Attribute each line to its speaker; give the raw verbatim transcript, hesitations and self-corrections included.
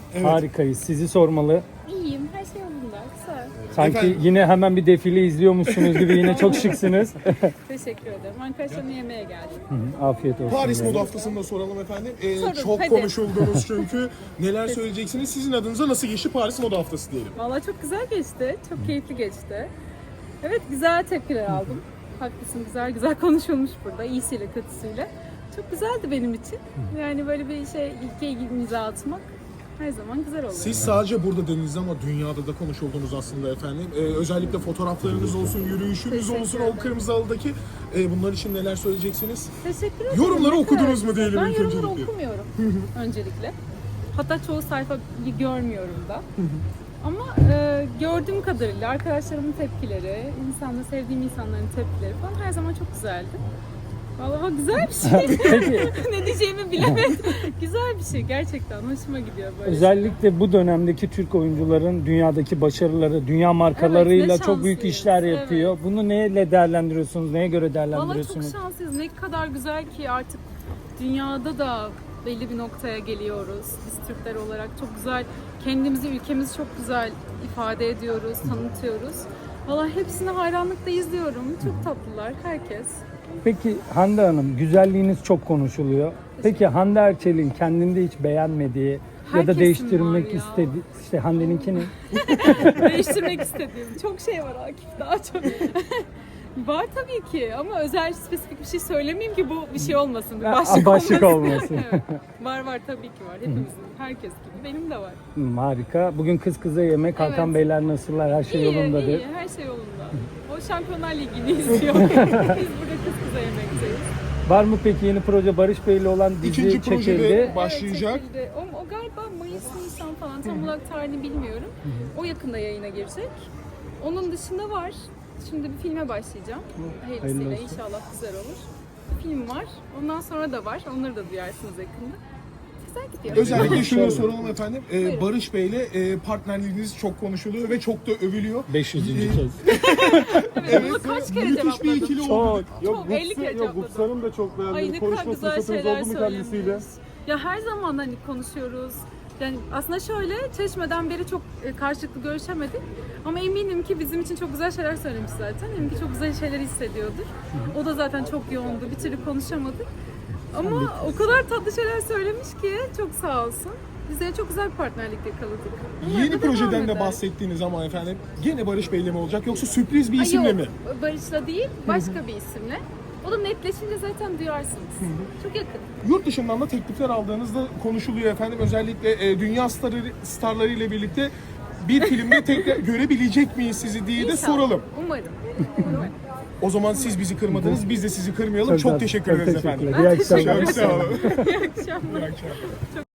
Speaker 1: Evet.
Speaker 2: Harikayız. Sizi sormalı.
Speaker 3: İyiyim, her şey yolunda. Güzel.
Speaker 2: Sanki
Speaker 1: Efendim?
Speaker 2: yine hemen bir defile izliyormuşsunuz gibi, yine çok şıksınız.
Speaker 3: Teşekkür ederim. Arkadaşlarımla yemeğe geldim.
Speaker 2: Hı, Afiyet olsun.
Speaker 1: Paris
Speaker 2: diyorum.
Speaker 1: Moda Haftası'nda soralım efendim. Ee,
Speaker 3: Sorun,
Speaker 1: çok
Speaker 3: hadi.
Speaker 1: konuşuldunuz çünkü. Neler söyleyeceksiniz? Sizin adınıza nasıl geçti Paris Moda Haftası diyelim.
Speaker 3: Vallahi çok güzel geçti. Çok keyifli geçti. Evet, güzel tepkiler aldım. Haklısın, güzel güzel konuşulmuş burada. İyisiyle kötüsüyle. Çok güzeldi benim için. Yani böyle bir şey, ilke imza atmak her zaman güzel oluyor.
Speaker 1: Siz sadece burada dediniz ama dünyada da konuşuldunuz aslında efendim. Ee, özellikle fotoğraflarınız olsun, yürüyüşünüz
Speaker 3: Teşekkür
Speaker 1: olsun, o
Speaker 3: ederim.
Speaker 1: kırmızı halıdaki. Ee, bunlar için neler söyleyeceksiniz?
Speaker 3: Teşekkür ederim.
Speaker 1: Yorumları
Speaker 3: Ne kadar
Speaker 1: okudunuz mu
Speaker 3: güzel.
Speaker 1: diyelim
Speaker 3: Ben
Speaker 1: ilk
Speaker 3: yorumları
Speaker 1: öncelikle.
Speaker 3: okumuyorum öncelikle. Hatta çoğu sayfayı görmüyorum da. Ama e, gördüğüm kadarıyla arkadaşlarımın tepkileri, insanla sevdiğim insanların tepkileri falan her zaman çok güzeldi. Vallahi güzel bir şey.
Speaker 2: Peki
Speaker 3: Ne diyeceğimi bilemedim. Güzel bir şey gerçekten. Hoşuma gidiyor böyle.
Speaker 2: özellikle bu dönemdeki Türk oyuncuların dünyadaki başarıları, dünya markalarıyla
Speaker 3: Evet, ne
Speaker 2: çok büyük
Speaker 3: şanslıyız.
Speaker 2: işler yapıyor.
Speaker 3: Evet.
Speaker 2: Bunu neyle değerlendiriyorsunuz? Neye göre
Speaker 3: Vallahi
Speaker 2: değerlendiriyorsunuz?
Speaker 3: çok şanslıyız. Ne kadar güzel ki artık dünyada da belli bir noktaya geliyoruz. Biz Türkler olarak çok güzel, kendimizi, ülkemizi çok güzel ifade ediyoruz, tanıtıyoruz. Vallahi hepsine hayranlıkla izliyorum. Çok tatlılar herkes.
Speaker 2: Peki Hande Hanım, güzelliğiniz çok konuşuluyor. Peki Hande Erçel'in kendinde hiç beğenmediği ya da
Speaker 3: Herkesin
Speaker 2: değiştirmek
Speaker 3: var ya.
Speaker 2: istediği, işte Hande'ninkini
Speaker 3: Değiştirmek istediğim çok şey var Akif, daha çok. Var tabii ki ama özel spesifik bir şey söylemeyeyim ki bu bir şey olmasın, bir
Speaker 2: Ha,
Speaker 3: başlık,
Speaker 2: başlık
Speaker 3: olmasın.
Speaker 2: olmasın.
Speaker 3: Evet. Var var tabii ki var. Hepimizin, herkes gibi. Benim de var.
Speaker 2: Hmm, harika. Bugün kız kıza yemek. Hakan
Speaker 3: Evet.
Speaker 2: Beyler nasıllar? Her şey
Speaker 3: İyi,
Speaker 2: yolundadır.
Speaker 3: iyi, her şey yolunda. O Şampiyonlar Ligi'ni izliyor. Biz burada kız kıza yemekteyiz.
Speaker 2: Var mı peki yeni proje? Barış Bey'le olan dizi
Speaker 1: İkinci projede
Speaker 2: çekildi.
Speaker 1: başlayacak.
Speaker 3: Evet, çekildi. o, o galiba Mayıs, Nisan falan, tam olarak tarihini bilmiyorum. O yakında yayına girecek. Onun dışında var. Şimdi bir filme başlayacağım. Hayırlısıyla
Speaker 2: Hayırlı olsun.
Speaker 3: inşallah güzel olur. Bir film var. Ondan sonra da var. Onları da duyarsınız yakında. Güzel gidiyor.
Speaker 1: Özellikle şunu soralım efendim. Ee,
Speaker 3: Buyurun.
Speaker 1: Barış Bey'le e, partnerliğiniz çok konuşuluyor ve çok da övülüyor.
Speaker 2: beş yüzüncü
Speaker 1: Ee,
Speaker 2: kez.
Speaker 3: Evet, bunu kaç kere
Speaker 1: Müthiş bir
Speaker 3: cevapladım.
Speaker 1: ikili
Speaker 2: Çok.
Speaker 1: oldu.
Speaker 3: Çok, elli kere
Speaker 4: Yok
Speaker 3: cevapladım.
Speaker 4: Buksar'ın da çok beğendiğini
Speaker 3: Ay ne kadar
Speaker 4: konuşma
Speaker 3: güzel
Speaker 4: fırsatınız
Speaker 3: şeyler
Speaker 4: oldu mu kendisiyle?
Speaker 3: söylemiş. Ya her zaman hani konuşuyoruz. Yani aslında şöyle, Çeşme'den beri çok e, karşılıklı görüşemedik. Ama eminim ki bizim için çok güzel şeyler söylemiş zaten. Eminim ki çok güzel şeyler hissediyordur. O da zaten çok yoğundu. Bir türlü konuşamadık. Ama o kadar tatlı şeyler söylemiş ki çok sağ olsun. Bize çok güzel bir partnerlik yakaladık. Umarım
Speaker 1: Yeni
Speaker 3: da devam
Speaker 1: projeden de
Speaker 3: eder.
Speaker 1: bahsettiğiniz ama efendim gene Barış Bey'le mi olacak yoksa sürpriz bir
Speaker 3: Ay
Speaker 1: isimle
Speaker 3: yok,
Speaker 1: mi?
Speaker 3: Barış'la değil, başka bir isimle. O da netleşince zaten duyarsınız. Çok yakın.
Speaker 1: Yurt dışından da teklifler aldığınızda konuşuluyor efendim. Özellikle e, dünya starları, starları ile birlikte bir filmde tekrar görebilecek miyiz sizi diye de
Speaker 3: İnşallah.
Speaker 1: soralım.
Speaker 3: Umarım. Umarım.
Speaker 1: O zaman siz bizi kırmadınız, biz de sizi kırmayalım. Çok,
Speaker 2: Çok
Speaker 1: teşekkür
Speaker 2: çok
Speaker 1: ederiz
Speaker 2: teşekkürler.
Speaker 1: efendim.
Speaker 2: İyi akşamlar.
Speaker 1: Çok sağ olun.
Speaker 3: İyi akşamlar.
Speaker 1: İyi akşamlar.